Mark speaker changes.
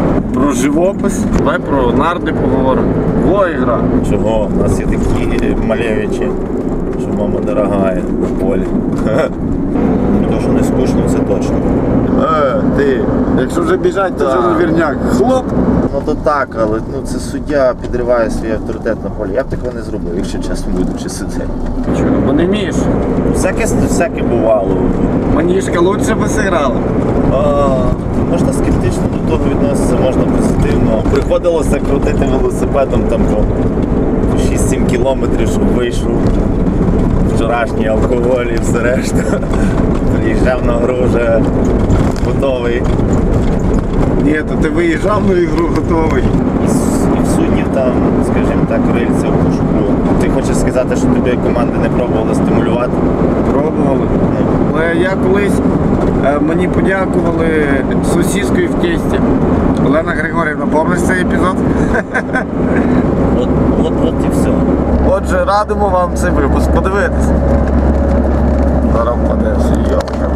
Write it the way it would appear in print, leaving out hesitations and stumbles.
Speaker 1: Про живопис, давай про нарди поговоримо. Во ігра.
Speaker 2: Чого? У нас є такі малевичі, що мама дорогая на полі. То, що не скучно, це точно.
Speaker 1: Ти, якщо вже біжать, то
Speaker 2: Да.
Speaker 1: вже вірняк. Хлоп!
Speaker 2: Ну то так, але це суддя підриває свій авторитет на полі. Я б такого не зробив, якщо чесно будучи суддею.
Speaker 1: Чого? Бо не вмієш.
Speaker 2: Всяке бувало.
Speaker 1: Манішка лучше би зіграла.
Speaker 2: Можна скептично до того відноситися, можна позитивно. Приходилося крутити велосипедом там по 6-7 кілометрів, щоб вийшов вчорашній алкоголь і все решта. Приїжджав на гру вже готовий.
Speaker 1: Ні, то ти виїжджав на ігру готовий.
Speaker 2: І в суддів там, скажімо так, рильця в пошуку. Ти хочеш сказати, що тобі команди не пробували стимулювати?
Speaker 1: Пробували. Але я колись, мені подякували сосіскою в тісті. Олена Григорівна, пам'ятаєш цей епізод?
Speaker 2: От і все.
Speaker 1: Отже, радимо вам цей випуск подивитись. Зараз впадеш, йока.